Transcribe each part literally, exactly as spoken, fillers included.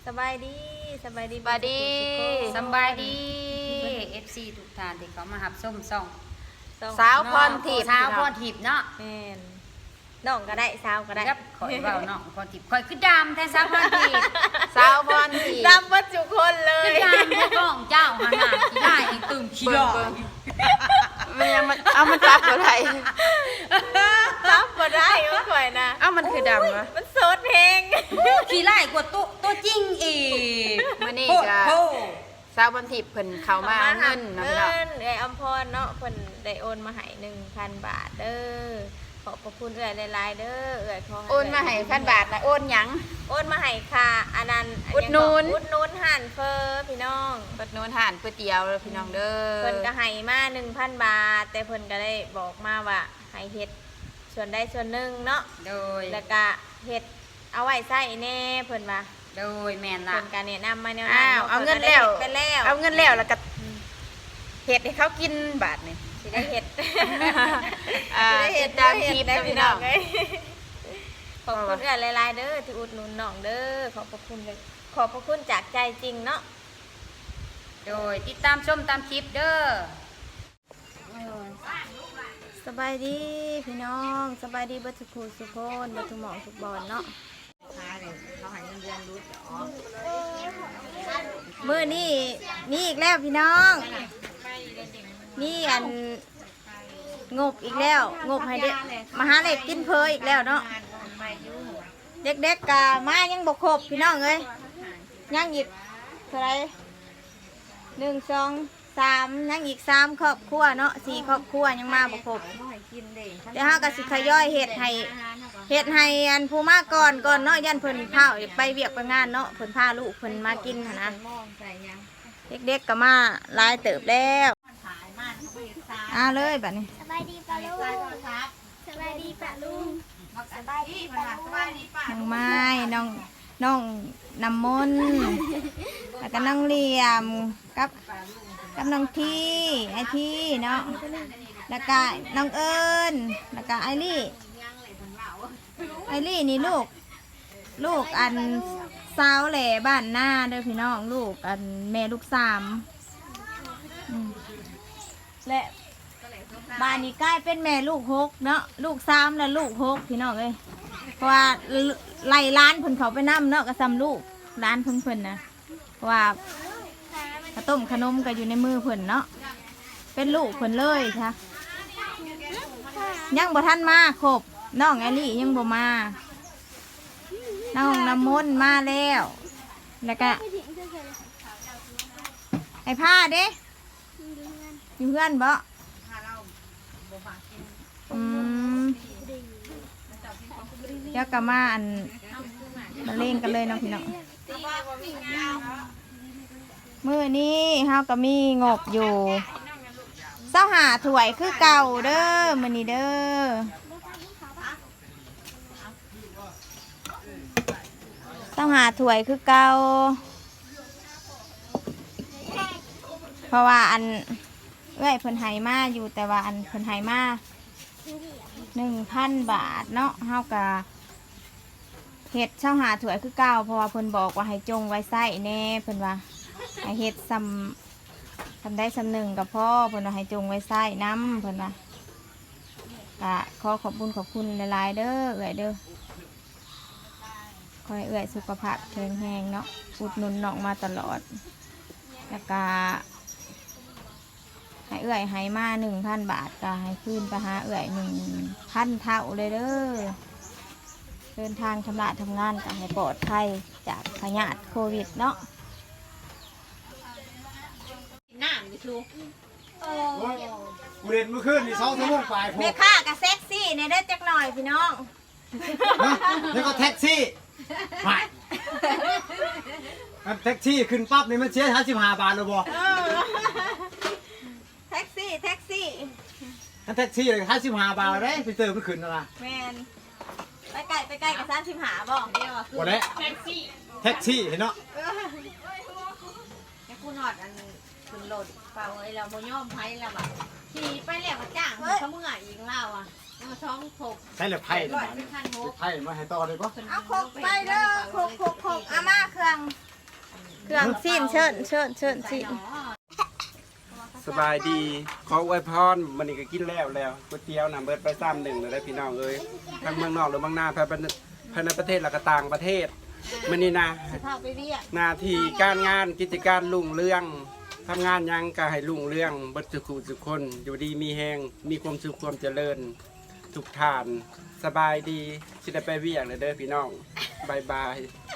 สบายดีสบายดีสบายดีสบายดี เอฟ ซี ทุกท่านที่เขามาหับส้มส่องสาวพรทิพย์สาวพรทิพย์เนาะแม่นน้องก็ได้สาวก็ได้ครับข่อยเว้าเนาะพรทิพย์ข่อยคือดำแท้สาวพรทิพย์สาวพรทิพย์ดำเบัดทุกคนเลคืยอดำแท้ก้องเจ้าหาหน้าขี้ได้เองตื่นขี้หลอกมันยังมันเอามันซับอะไรรับบ่ได้ก็ข่อยนะเอามันคือดำวะมันโสดเพลงขี้ไล่กว่าตัวตัวจริงอีกมื้อนี้โพดก็โพสาวพรทิพย์เพิ่นเข้ามาเงินเนาะพี่น้องเงินไอ้อำพรเนาะเพิ่นได้โอนมาให้หนึ่งพันบาทเด้อขอบพระคุณเอื้อยหลายๆเด้อเอื้อยขอโอนมาให้พันบาทนะโอนหยังโอนมาให้ค่ะอันนั้นอุดหนุนอุดหนุนห่านเฟอพี่น้องเปิดโนนทานก๋วยเตี๋ยวเด้อพี่น้องเด้อเพิ่นก็ให้มาหนึ่งพันบาท แต่เพิ่นก็ได้บอกมาว่าให้เฮ็ดส่วนใดส่วนหนึ่งเนาะโดยแล้วก็เฮ็ดเอาไว้ใส่แน่เพิ่นว่าโดยแม่นล่ะเพิ่นก็แนะนำมาแนวอ้านั้นวเอาเงินแล้วไปแล้วเอาเงินแล้วแล้วก็เฮ็ดให้เขากินบาทนี่สิได้เฮ็ดอ่าสิได้เฮ็ดติดตามคลิปได้เด้อพี่พี่น้น้ออง งเอ้ยขอบคุณเอื้อหลายๆเด้อที่อุดหนุนน้องเด้อขอบพระคุณเลยขอบพระคุณจากใจจริงเนาะโดยติดตามชมตามคลิปเด้อสบายดีพี่น้องสบายดีเบัทุกคูสุพนเบัทุกหมองทุกบอลเนาะมือนี่มีอีกแล้วพี่น้องมีอันงบอีกแล้วงบให้เด็กมาหาเล็กกินเพออีกแล้วเนาะเด็กๆกะมายังบกครบพี่น้องเอ้ยยังอีกเท่าไหรหนึ่งสองสามยังอีกสามครอบครัวเนาะสี่ครอบครัวยังมาบกครบเดี๋ยวเฮาก็สิขย่อยเฮ็ดให้เฮ็ดให้อันผู้มาก่อนก่อนเนาะยันเพิ่นพาไปเวียกไปงานเนาะเพิ่นพาลูกเพิ่นมากินหั่นนะเด็กๆก็มาหลายเติบแล้วอ่าเลยบัดนี้สบายดีปะลุงสบายดีปะลุงสบายดีปะลุงน้องไม้น้องน้องน้ำมนต์แล้วก็น้องเหลี่ยมกับกับน้องที่ไอที่เนาะแล้วก็น้องเอิญแล้วก็ไอรี่ไอรี่นี่ลูกลูกอันสาวแหล่บ้านหน้าเด้อพี่น้องลูกอันแม่ลูกสามอืมและบ้านนี้ใกล้เป็นแม่ลูกหกเนาะลูกสามและลูกหกพี่น้องเอ้ยเพราะว่าไล่ร้านเพิ่นเขาไปนั่เนาะก็ซ้ำลูกร้านเพิ่นเพิ่นนะเพราะว่าข้าวต้มขนมก็อยู่ในมือเพิ่นเนาะเป็นลูกเพิ่นเลยค่ะยังบ่ทันมาครบน้องแอลลี่ยังบ่มาน้องน้ำมนต์มาแล้วแล้วก็ไอ้ผ้าเด้อยู่เพื่อนบ่อืมเดี๋ยวก็มาอันมาเล่นกันเลยเนาะพี่น้องมื้อนี้เฮาก็มีงบอยู่เศร้าหาถ้วยคือเก่าเด้อมื้อนี้เด้อเศร้าหาถ้วยคือเก่าเพราะว่าอันเอ้ยเพิ่นให้มาอยู่แต่ว่าอันเพิ่นให้มาหนึ่งพันบาทเนาะเฮากะเฮ็ดเช่าหาถ้วยคือเก่าเพราะว่าเพิ่นบอกว่าให้จงไว้ใส่แน่เพิ่นว่าให้เฮ็ดซ้ำทำได้ซ้ำหนึ่งกับพ่อเพิ่นว่าให้จงไว้ใส่น้ำเพิ่นว่ากะขอขอบคุณขอบคุณหลายๆเด้อเอื้อยเด้อคอยเอื้อยสุขภาพแข็งแรงเนาะอุดหนุนน้องมาตลอดแล้วก็ให้เอื้อยให้มาหนึ่งพันบาทก็ให้คืนไปหาเอื้อยหนึ่งพันเท่าเลยเด้อเดินทางทำละทำงานก็ให้ปลอดภัยจากพยาธิโควิดเนาะกูเรียนเมื่อคืนนี่สองชั่วโมงปลายผมแม่ค้ากับเซ็กซี่ในเด้อจักหน่อยพี่น้องแล้วก็แท็กซี่ไม่อันแท็กซี่ขึ้นปั๊บนี่มันเสียห้าสิบห้าบาทเลยบ่แท็กซี่แท็กซี่อันแท็กซี่เลยห้าสิบห้าบาทเลยไปเติมมันขึ้นนะล่ะแมนไปไกลไปไกลกับสามสิบหาบ่บ่ได้แท็กซี่แท็กซี่เห็นเนาะแม่คุณหอดอันคุณโหลดเปล่าไอ้เราโมย่อมไพ่เราแบบขี่ไปแล้วมาจ้างเขาเมื่ออีกเราอ่ะมาท้องถกใช่เหลือไพ่ร้อยเป็นพันหกไพ่มาให้ต่อเลยปะเอาโคกไปเด้อโคกโคกโคกอาม่าเครื่องเครื่องซีนเชิญเชิญเชิญซีนสบายดีขออวยพรมันนี่ก็กินแล้วแล้วก๋วยเตี๋ยวน้ำเบิดไปซ้ำหนึ่งเลยได้พี่น้องเอ้ยทั้งเมืองนอกหรือเมืองนาภายภายในประเทศและก็ต่างประเทศมันนี่นะหนาทีการงานกิจการรุ่งเรืองทำงานหยังก็ให้รุ่งเรืองบัดสุขุสุขคนอยู่ดีมีแหงมีความสุขความเจริญทุกทานสบายดีสิได้ไปเวียงเลยเด้อพี่น้องบายบาย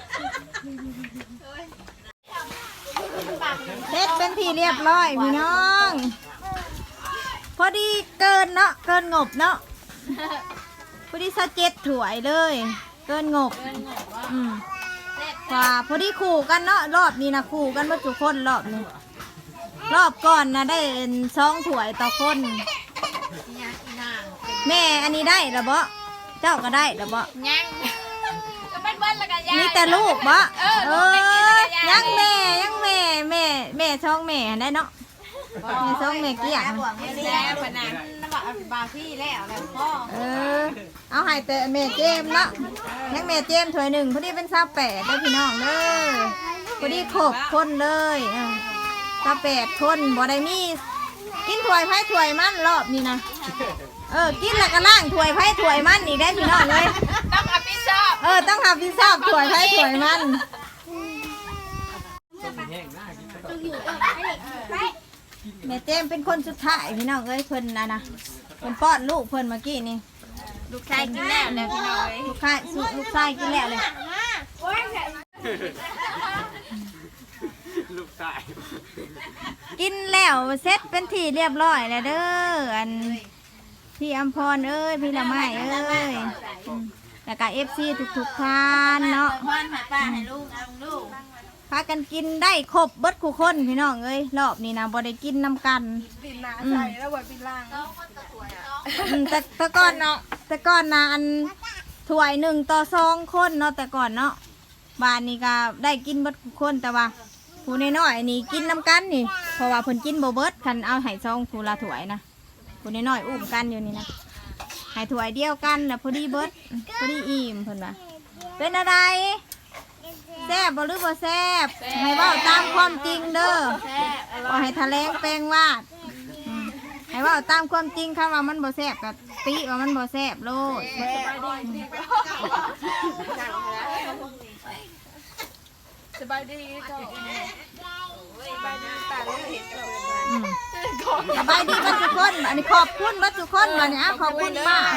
เฮ็ดเป็นที่เรียบร้อยพี่น้อง พอดีเกินเนาะเกินงบเนาะพอดีสะเจ็ดถ้วยเลย เกินงบอืมว่าพอดีขู่กันเนาะรอบนี้นะขู่กันว่าทุกคนรอบนี้รอบก่อนนะได้สองถ้วยต่อคน แม่อันนี้ได้หรือบ่เจ้าก็ได้หรือบ่ยังก็เป็นเบิ้ลละกันยายมีแต่ลูกบ่เออเอลูกไม่กินอละกันยายยังแม่ยังแม่แม่แม่ช่องแม่ได้เนาะแม่ช่องแม่เกี้ยงแซ่บขนาดน้ำบาบาพี่แล้วแล้วพ่อเออเอาให้แต่แม่เจมส์เนาะยังแม่เจมส์ถ้วยหนึ่งพอดีเป็นซาแปดได้พี่น้องเด้อพอดีครบคนเลยเออซาแปดคนบ่ได้มีกินถ้วยไผ่ถ้วยมันรอบนี้นะเออกินแล้วก็ล่างถ้วยไผ่ถ้วยมันอีกได้พี่น้องเลยต้องรับผิดชอบเออต้องหาพิซซ่าถ้วยไผ่ถ้วยมันแม่เจมส์เป็นคนสุดท้ายพี่น้องเอ้ยเพิ่นนะนะเพิ่นป้อนลูกเพิ่นเมื่อกี้นี่ลูกชายกินแล้วแล้วพี่น้อยลูกชายสุลูกชายกินแล้วเลยลูกชายกินแล้วเสร็จเป็นที่เรียบร้อยแล้วเด้ออันพี่อำพรเอ้ยพี่ละไม้เอ้ยอืมแล้วก็เอฟซีทุกๆท่านเนาะพ่อนให้ป้าให้ลูกเอาลูกพากันกินได้ครบเบิดคู่คนพี่น้องเอ้ยรอบนี้นะบ่ได้กินน้ำกันปินนาใส่แล้วบ่ปินล่างแต่แต่ก่อนเนาะแต่ก่อนนะอันถ้วยหนึ่งต่อสองคนเนาะแต่ก่อนเนาะบ้านนี้ก็ได้กินเบิดคู่คนแต่ว่าผู้น้อยๆนี่กินน้ำกันนี่เพราะว่าเพิ่นกินบ่เบิดคันเอาให้ซองผู้ละถ้วยนะผู้น้อยๆอุ้มกันอยู่นี่นะให้ถ้วยเดียวกันแล้วพอดีเบิดพอดีอิ่มเพิ่นว่าเป็นอะไรแซ่บบ่หรือบ่แซ่บให้เว้าตามความจริงเด้อบ่ให้ทะเลงแปลงวาดอืมให้เว้าตามความจริงค่ะว่ามันบ่แซ่บก็ติว่ามันบ่แซ่บโลดสบายดีก็อืมสบายดีกันทุกคนอันนี้ขอบคุณบัดทุกคนบัดนี้อ่ะขอบคุณป้า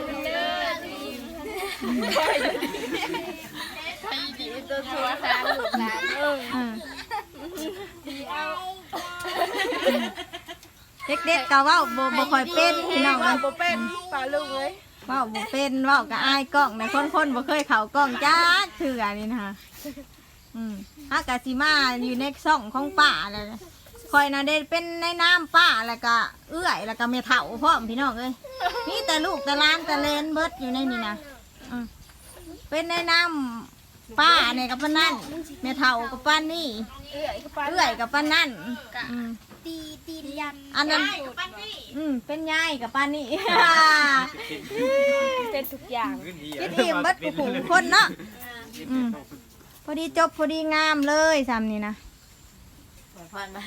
อืมเด็กๆก็เว้าบ่บ่ค่อยเป็นพี่น้องว่าบ่เป็นป้าลุงเอ้ยเว้าบ่เป็นเว้าก็อายกล้องนะคนๆบ่เคยเข้ากล้องจักเทื่อนี่นะคะอืมฮากะสิมาอยู่ในช่องของป้าแล้วคอยน่ะได้เป็นในน้ำป้าแล้วก็เอื้อยแล้วก็แม่เฒ่าพร้อมพี่น้องเอ้ยมีแต่ลูกแต่หลานแต่เลนเบิดอยู่ในนี่นะอืมเป็นในน้ำป้าเนี่ยกับปานนั่นแม่เฒ่ากับปานนี่เอื้อยกับปานนั่นอืมตีตียันอันนั้นอืมเป็นยายกับปานนี่เป็นทุกอย่างคิดอิ่มเบิดกูขู่คนเนาะอืมพอดีจบพอดีงามเลยซ้ำนี่นะพ่อนมา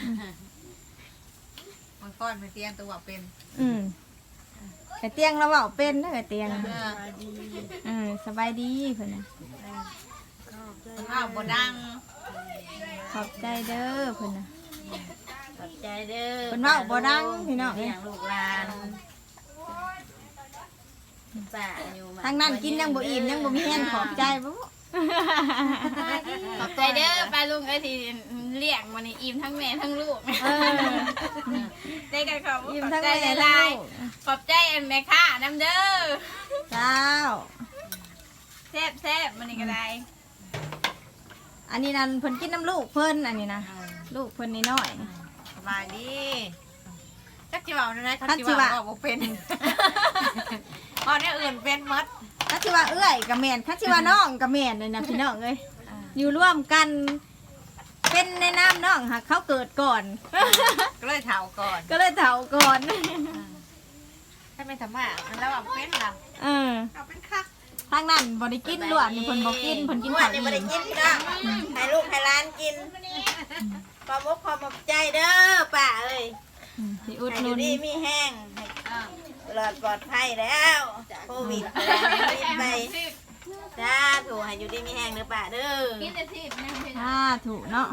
มันพ่อนมาเตียงตัวเป็นอืมแต่เตียงเราเบาเป็นเด้อเตียงเออสบายดีเพิ่นน่ะมันเอาบ่ดังขอบใจเด้อเพิ่นน่ะขอบใจเด้อเพิ่นเว้าบ่ดังพี่น้องเลี้ยงลูกหลานป้าอยู่มาทางนั้นกินยังบ่อิ่มยังบ่มีแห้งขอบใจบ่ขอบใจเด้อป้าลุงไอ้ที่เลี้ยงวันนี้อิ่มทั้งแม่ทั้งลูกเออได้กันขอบอิ่มขอบทั้งใจแม่หทั้งลายลูกๆขอบใจแม่ค่ะน้ำเด้อเจ้าแซ่บแซ่บมันนี่ก็ได้อันนี้นั่นเพิ่นกินน้ำลูกเพิ่นอันนี้นะลูกเพิ่นนี่น้อยสบายดีจักจิว่านะคันสิว่าบ่เป็นพอเนี่ยอื่นเป็นหมดคันสิว่าเอื้อยกับแม่นคันสิว่าน้องกับแม่นเลยนะพี่น้องเอ้ยอยู่ร่วมกัน เป็นในน้ำน้องหากเขาเกิดก่อนก็เลยเฒ่าก่อนก็เลยเฒ่าก่อนถ้าไม่ทำมามันแล้วว่าเป็นล่ะเออเอาเป็นคักทางนั้นบ่ได้กินล้วนนี่เพิ่นบ่กินเพิ่นกินอ้วข้าน วนี่อิ่บ่ได้มกินพี่น้องให้ลูกให้หลานกินอขอบมุกขอบมุกใจเด้อป้าเอ้ยอืมสิอุดให้หอนุยู่นดีมีแห้งปลอดปลอดภัยแล้วโควิดแล้วไปจ้าถูกให้อยู่ดีมีแห้งเด้อป้าเด้อกินแต่สิบนะพี่ถ้าถูกเนาะ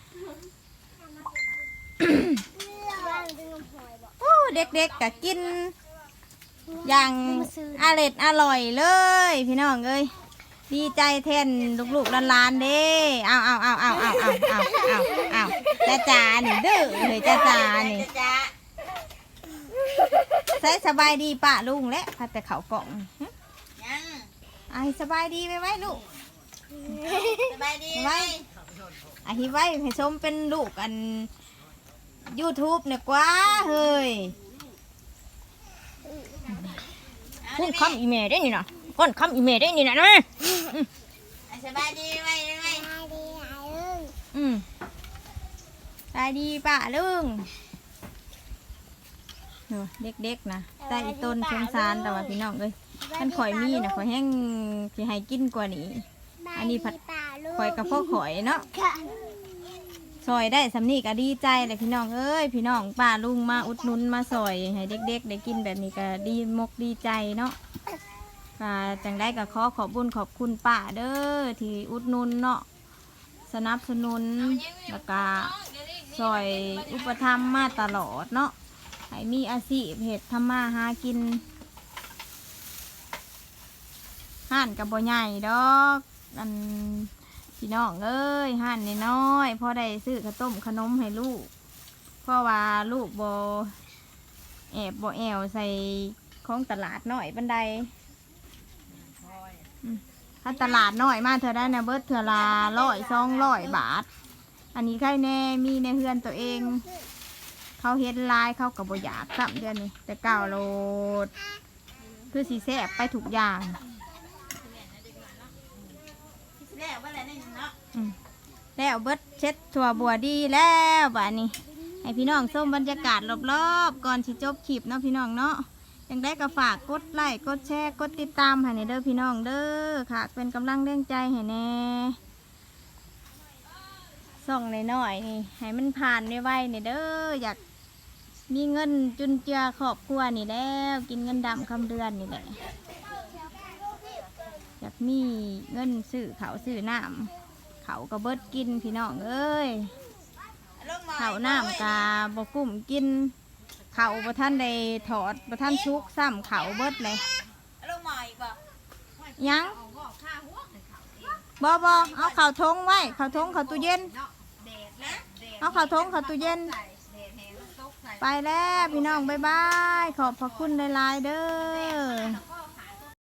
โอ้เด็กๆก็กิน อย่างอร่อยอร่อยเลย พี่น้องเอ้ยดีใจแทนลูกๆหลานๆเด้เอาเอาเอาเอาเอาเอาเอาเอาเอาจ้าจ๋านี่เด้อเลยจ้าจ๋านี่จ้าใส่สบายดีป้าลุงและพัดแต่เขากล่องหึยังไอสบายดีไหมไว้ลูกสบายดีไว้ไอที่ไว้ให้ชมเป็นลูกอัน YouTube เนี่ยกว่าเฮ้ยพูดคำอีเมลได้นี่นะก้อนคำอีเมลได้นี่นะนะสบายดีไหมไหมอืมสบายดีป้าลุงเนอะเด็กๆนะใต้อีต้นสงสารแต่ว่าพี่น้องเอ้ยท่านข่อยมีนะข่อยแห้งสิให้กินกว่านี้ อันนี้ผัดข่อยกับพ่อข่อยเนาะซอยได้สำนีก็ดีใจเลยพี่น้องเอ้ยพี่น้องป้าลุงมาอุดหนุนมาซอยให้เด็กๆได้กินแบบนี้ก็ดีมกดีใจเนาะก็จังได้ก็ขอขอบบุญขอบคุณป้าเด้อที่อุดหนุนเนาะสนับสนุนแล้วก็ซอยอุปถัมภ์มาตลอดเนาะให้มีอาชีพเห็ดทำมาหากินห่านกับบ่ใหญ่ดอกอันพี่น้องเอ้ยห่านน้อยๆพอได้ซื้อข้าวต้มขนมให้ลูกเพราะว่าลูกบ่แอบบ่แอวใส่ของตลาดน้อยบันไดอืมถ้าตลาดน้อยมาเธอได้นะเบิดเธอละร้อยสองร้อยบาทอันนี้ใครแน่มีในเฮือนตัวเองเขาเฮ็ดลายเขากับบอยากซ้ำเดือนนี้แต่เก่าโลดคือสีแซ่บไปถูกอย่างแล้วว่าอะไรนี่เนาะอืมแล้วเบิดเช็ดถั่วบัวดีแล้วบ้านี้ให้พี่น้องส้มบรรยากาศรอบๆก่อนที่จบคลิปเนาะพี่น้องเนาะยังได้ก็ฝากกดไลค์กดแชร์กดติดตามให้ในเด้อพี่น้องเด้อค่ะเป็นกำลังแรงใจให้แน่ส่องหน่อยๆนี่ให้มันผ่านไวๆนี่เด้ออยากมีเงินจุนเจือครอบครัวนี่แล้วกินเงินดำคำเดือนนี่แหละอยากมีเงินซื้อเขาวซื้อน้ำเขาก็เบิดกินพี่น้องเอ้ยเขาวน้ำกาบกุ้มกินเขาบ่ท่านได้ถอดบ่ท่านชุกซ้ำเขาเบิดเลยลูกหมออีกบ่ยังบ่บ่เอาเขาวทงไว้เขาวทงเขาวตู้เย็นเอาเขาวทงเขาวตู้เย็นไปแล้วพี่น้องบ๊ายบายขอบพระคุณหลายๆเด้อ